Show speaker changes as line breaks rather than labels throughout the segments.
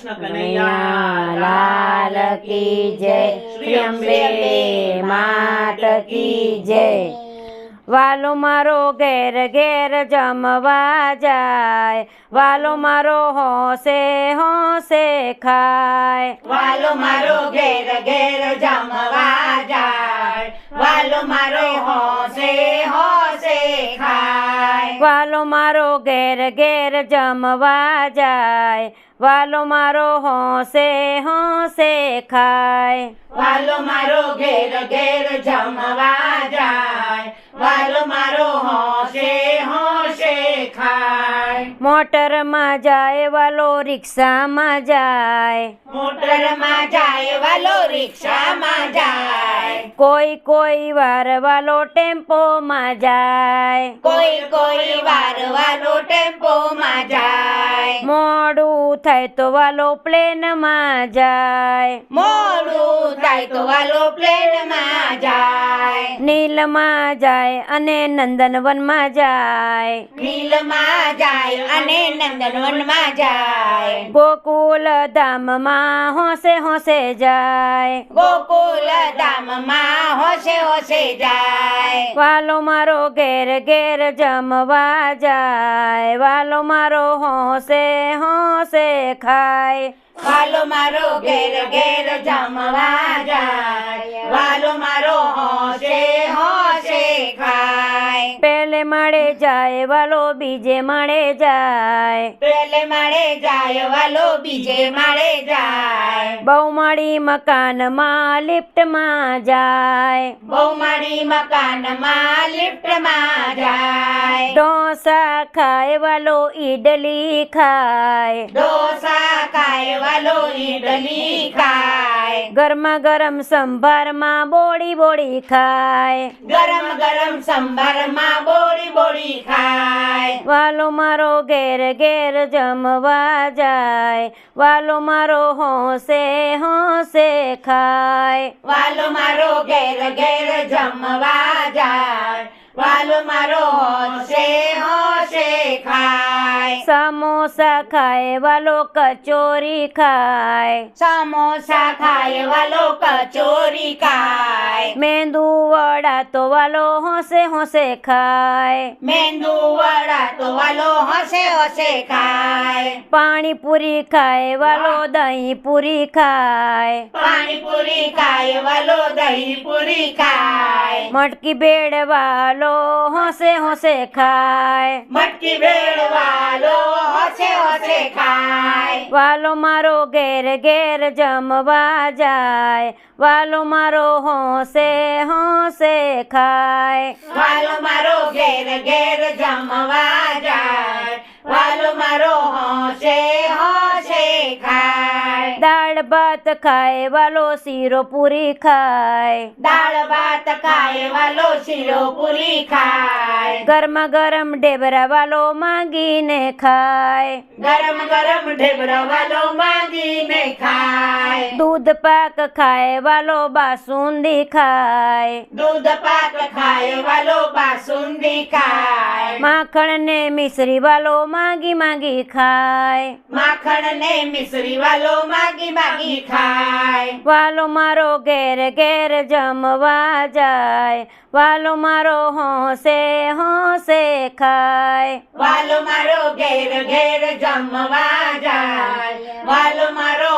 कृष्ण कन्हैया
लाल की जय। श्री अंबे मात की जय। वालो मारो घेर घेर जमवा जाय, वालो मारो होंसे खाय।
वालो मारो घेर घेर जमवा जाय, वालो मारो होंसे खाय।
वालो मारो घेर घेर जमवा जाय, वालो मारो होंसे खाय।
वालो मारो घेर घेर जमवा जाय, वालो मारो होंसे खाय।
मोटर में जाए वालो रिक्शा में जाए,
मोटर में जाए वालो रिक्शा में जाए।
कोई वार वालो टेम्पो में जाए,
कोई वार वालो टेम्पो में जाए।
मोडू थाय तो वालो प्लेन में जाए,
मोडू थाय तो वालो प्लेन में जाए।
नील में जाए अने नंदनवन में जाए,
नील में जाए अने नंदनवन में जाए।
गोकुल धाम में होंसे जाए,
गोकुल धाम में होंसे जाए।
वालो मारो घेर घेर जमवा जाए, वालो मारो होंसे खाए।
वालो मारो घेर घेर जमवा जाए, वालो मारो होंसे खाए।
पहले माड़े जाए वालो बीजे माड़े जाए,
पहले माड़े जाए वालो बीजे माड़े जाए।
बहुमाड़ी मकान में लिफ्ट में जाए,
बहुमाड़ी मकान में लिफ्ट में जाए।
डोसा खाए वालो इडली खाए,
डोसा खाए वालो इडली खाए।
गर्मा गर्म संभार में बोड़ी बोड़ी खाए,
गरम गरम संभार में बोड़ी बोड़ी खाए।
वालो मारो घेर घेर जमवा जाए, वालो मारो होंसे खाए।
वालो मारो घेर घेर जमवा जाए, वालो मारो होंसे खाए।
समोसा खाए वालो कचौरी खाए,
समोसा खाए वालो कचौरी खाए।
मेंदू वड़ा तो वालो होंसे खाए,
मेंदू वड़ा तो वालो होंसे खाए।
पानी पूरी खाए वालो दही पूरी खाए,
पानी पूरी खाए वालो दही पूरी खाए।
मटकी बेड़ वालो होंसे खाए,
मटकी भेड़ वालो होंसे खाए।
वालो मारो घेर घेर जमवा जाए, वालो मारो होंसे खाए।
वालो मारो घेर घेर जमवा जाए, वालो मारो होंसे खाए।
दाल भात खाए वालो सीरो पूरी खाए,
दाल भात खाए वालो शिरो पूरी खाए।
गर्मा गर्म डेबरा वालो मांगीने खाए,
गरम गरम ढेबरा वालो मांगी ने खाए।
दूध पाक खाए वालो बासुंदी खाए,
दूध पाक खाए वालो बासुंदी खाए।
माखण ने मिश्री वालो मांगी मांगी खाए,
माखण ने मिश्री वालो मांगी मांगी खाए।
वालो मारो घेर घेर जमवा जाए, वालो मारो होंसे खाए।
वालो मारो घेर घेर जमवा जाए, वालो मारो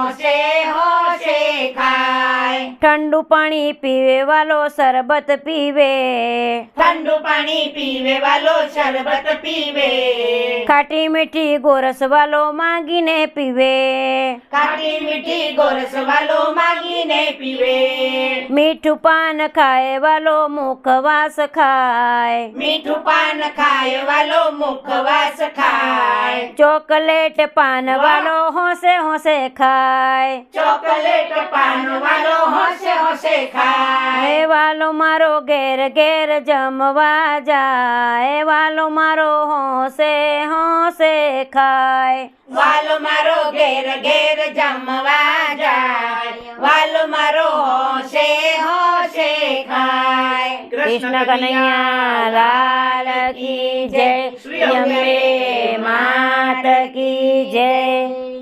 होंसे खाए।
ठंडू पानी पीवे वालो शरबत पीवे,
ठंडू पानी पीवे वालो शरबत पीवे।
खाटी मीठी गोरस वालो मांगीने पीवे,
खाटी मीठी गोरस वालो मांगी ने पीवे।
मीठू पान खाए वालो मुखवास खाए,
मीठू पान खाए वालो मुखवास खाए।
चॉकलेट पान वालो होंसे खाए,
चॉकलेट पान वालो होंसे खाए।
ए वालो मारो घेर घेर जमवा जाए, वालो मारो होंसे खाए।
वालो मारो घेर घेर जमवा जाए, वालो मारो होंसे खाए।
कृष्ण कन्हैया लाल की जय। श्री अंबे मात की जय।